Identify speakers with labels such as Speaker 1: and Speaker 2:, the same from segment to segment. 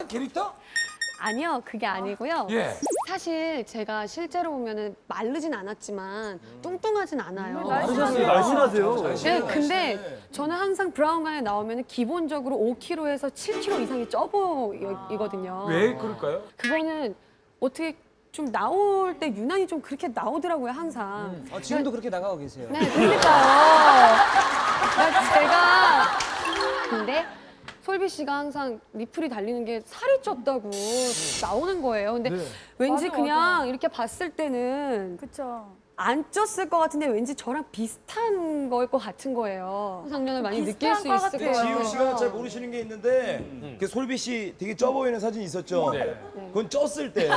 Speaker 1: 캐릭터?
Speaker 2: 아니요, 그게 아니고요.
Speaker 1: 예.
Speaker 2: 사실 제가 실제로 보면은 마르진 않았지만 뚱뚱하진 않아요.
Speaker 3: 날씬하세요.
Speaker 2: 네, 근데 저는 항상 브라운관에 나오면 기본적으로 5kg에서 7kg 이상이 쪄 보이거든요.
Speaker 1: 왜 그럴까요?
Speaker 2: 그거는 어떻게 좀 나올 때 유난히 좀 그렇게 나오더라고요, 항상.
Speaker 3: 지금도 그렇게 나가고 계세요.
Speaker 2: 네, 그러니까요. 근데 솔비 씨가 항상 리플이 달리는 게 살이 쪘다고 나오는 거예요. 근데 왠지
Speaker 4: 맞아,
Speaker 2: 그냥
Speaker 4: 맞아.
Speaker 2: 이렇게 봤을 때는
Speaker 4: 그쵸.
Speaker 2: 안 쪘을 것 같은데 왠지 저랑 비슷한 거일 것 같은 거예요. 상상력을 많이 느낄
Speaker 4: 비슷한
Speaker 2: 수
Speaker 4: 것
Speaker 2: 있을
Speaker 4: 같아요.
Speaker 2: 거예요.
Speaker 5: 지우 씨가 잘 모르시는 게 있는데 그 솔비 씨 되게 쪄 보이는 사진 있었죠? 그건 쪘을 때.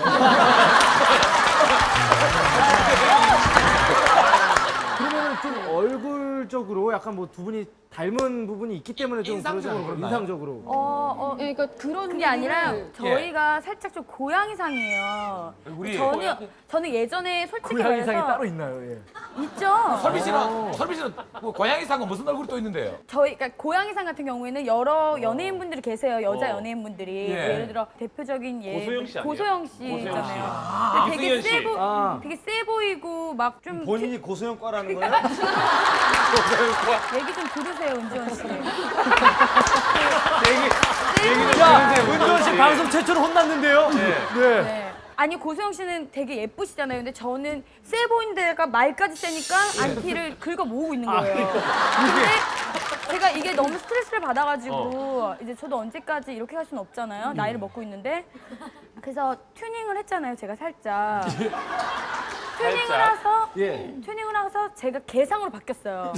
Speaker 3: 그러면 좀 얼굴적으로 약간 뭐 두 분이 닮은 부분이 있기 때문에 좀
Speaker 1: 인상적으로
Speaker 3: 그러잖아요.
Speaker 1: 그런가요?
Speaker 3: 인상적으로.
Speaker 2: 네, 그러니까 그런
Speaker 4: 그게 아니라
Speaker 2: 얘기를-
Speaker 4: 저희가 살짝 좀 고양이상이에요.
Speaker 1: 우리
Speaker 4: 저는 예전에 솔직히
Speaker 3: 고양이상이
Speaker 4: 말해서
Speaker 3: 따로 있나요? 예.
Speaker 4: 있죠.
Speaker 1: 설비 씨는 뭐 고양이 상은 무슨 얼굴이 또 있는데요?
Speaker 4: 저희 그러니까 고양이상 같은 경우에는 여러 연예인분들이 계세요. 여자 연예인분들이
Speaker 1: 예.
Speaker 4: 예를 들어 대표적인
Speaker 6: 고소영 씨 아니에요?
Speaker 4: 고소영 씨
Speaker 6: 고소영 씨.
Speaker 4: 있잖아요. 근데 되게
Speaker 6: 이승현 씨.
Speaker 4: 되게 세 보이고 막 좀
Speaker 5: 본인이 고소영과라는 거예요?
Speaker 4: 얘기 좀 들으세요, 은지원 씨.
Speaker 3: 야, 은지원 씨 방송 최초로 혼났는데요? 네.
Speaker 4: 네. 아니 고소영 씨는 되게 예쁘시잖아요. 근데 저는 세 보이는 데가 말까지 세니까 안티를 긁어 모으고 있는 거예요. 근데 제가 이게 너무 스트레스를 받아가지고 이제 저도 언제까지 이렇게 할 수는 없잖아요. 나이를 먹고 있는데 그래서 튜닝을 했잖아요. 제가 살짝.
Speaker 3: 예.
Speaker 4: 튜닝을 해서 제가 개상으로 바뀌었어요.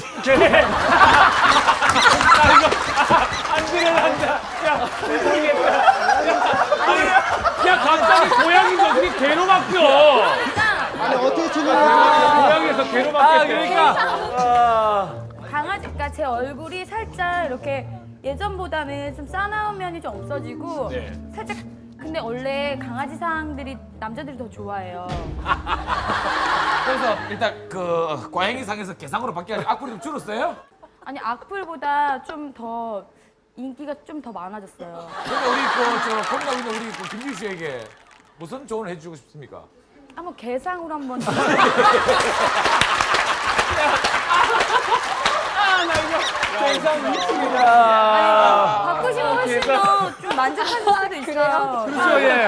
Speaker 6: 야 갑자기 고양이가 어떻게 개로 바뀌어?
Speaker 5: 아니 어떻게
Speaker 6: 고양이에서 개로 바뀌었대.
Speaker 3: 그러니까.
Speaker 4: 강아지, 그러니까 제 얼굴이 살짝 이렇게 예전보다는 좀 싸나운 면이 좀 없어지고
Speaker 6: 네.
Speaker 4: 살짝 근데 원래 강아지상들이 남자들이 더 좋아해요.
Speaker 1: 그래서 일단 그 고양이 상에서 개상으로 바뀌어가지고 악플이 좀 줄었어요?
Speaker 4: 아니 악플보다 좀 더 인기가 좀 더 많아졌어요.
Speaker 1: 그러니까 우리 저 고민하고 있는 우리 그 김지우 씨에게 무슨 조언을 해주고 싶습니까?
Speaker 4: 한번 개상으로 한번 바꾸시면 훨씬 더 좀 만족하실 수도 있어요.
Speaker 3: 그렇죠, 예.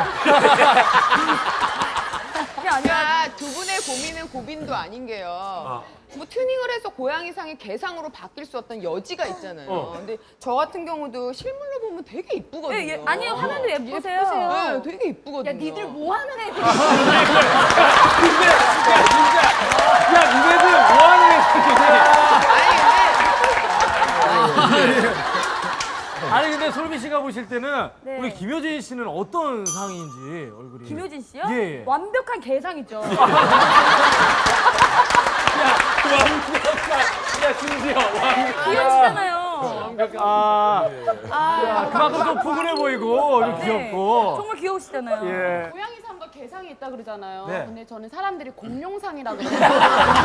Speaker 4: 그게 아니라
Speaker 7: 그러니까 두 분의 고민은 고민도 아닌 게요. 뭐 튜닝을 해서 고양이상이 개상으로 바뀔 수 없던 여지가 있잖아요. 근데 저 같은 경우도 실물로 보면 되게 이쁘거든요.
Speaker 4: 예, 예. 아니 화면도 예쁘세요.
Speaker 7: 네, 되게 이쁘거든요.
Speaker 4: 야 니들 뭐 하는 애들?
Speaker 6: 야 니네들 뭐 하는 애들이야?
Speaker 3: 아니 근데 솔비 씨가 보실 때는
Speaker 4: 네.
Speaker 3: 우리 김효진 씨는 어떤 상인지 얼굴이.
Speaker 4: 김효진 씨요?
Speaker 3: 예, 예.
Speaker 4: 완벽한 개상이죠.
Speaker 6: 야 심지어
Speaker 4: 귀여우시잖아요.
Speaker 3: 그만큼 좀 푸근해 보이고 좀
Speaker 4: 네.
Speaker 3: 귀엽고.
Speaker 4: 정말 귀여우시잖아요.
Speaker 3: 예.
Speaker 8: 고양이상과 개상이 있다 그러잖아요.
Speaker 3: 네.
Speaker 8: 근데 저는 사람들이 공룡상이라 그러거든요.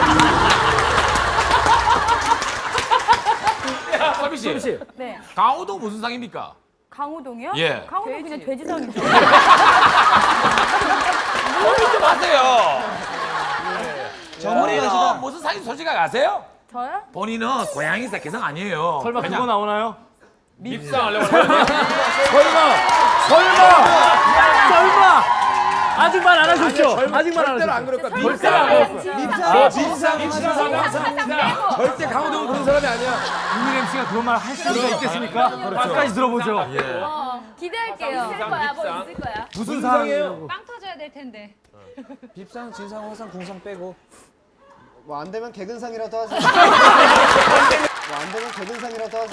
Speaker 1: 설비 씨,
Speaker 3: 솔비 씨.
Speaker 4: 네.
Speaker 1: 강호동 무슨 상입니까?
Speaker 4: 강호동이요?
Speaker 1: 예.
Speaker 4: 강호동 그냥 돼지상이죠.
Speaker 1: 고민 좀 하세요.
Speaker 5: 저머리가
Speaker 1: 본인은 무슨 상인지 솔직하게 아세요?
Speaker 4: 저요?
Speaker 1: 본인은 고양이상 개상 아니에요.
Speaker 3: 설마
Speaker 1: 그냥
Speaker 3: 그거 나오나요?
Speaker 6: 밉상하려고 하는
Speaker 3: 설마! 아직 말 안 하셨죠? 아직 말 안
Speaker 5: 절대로 안
Speaker 3: 하셨죠?
Speaker 5: 그럴 거야.
Speaker 3: 절대로 안 하셨어요.
Speaker 5: 절대 강호동은 그런 사람이 아니야.
Speaker 3: 유민 MC가 그런 말 할 수가 있겠습니까? 끝까지 들어보죠.
Speaker 4: 기대할게요.
Speaker 3: 무슨 상이에요?
Speaker 4: 빵 터져야 될 텐데.
Speaker 5: 빕상, 진상, 화상, 궁상 빼고. 뭐 안 되면 개근상이라도 하지. 뭐 안 되면 개근상이라도 하지.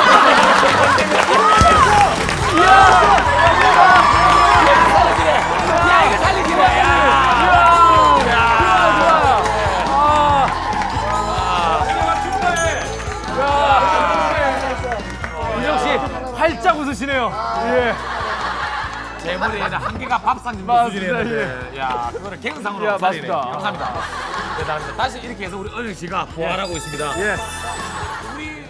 Speaker 1: 야, 이거 살리기네. 야.
Speaker 3: 윤정 씨 활짝 웃으시네요. 예.
Speaker 1: 제 머리에는 한 개가 밥상 정도
Speaker 3: 맞습니다,
Speaker 1: 수준이었는데, 야, 그거를 개그상으로
Speaker 3: 야,
Speaker 1: 살리네.
Speaker 3: 맞습니다.
Speaker 1: 감사합니다. 대단합니다. 다시 이렇게 해서 우리 은영 씨가 부활하고 있습니다.
Speaker 3: 예.
Speaker 1: 우리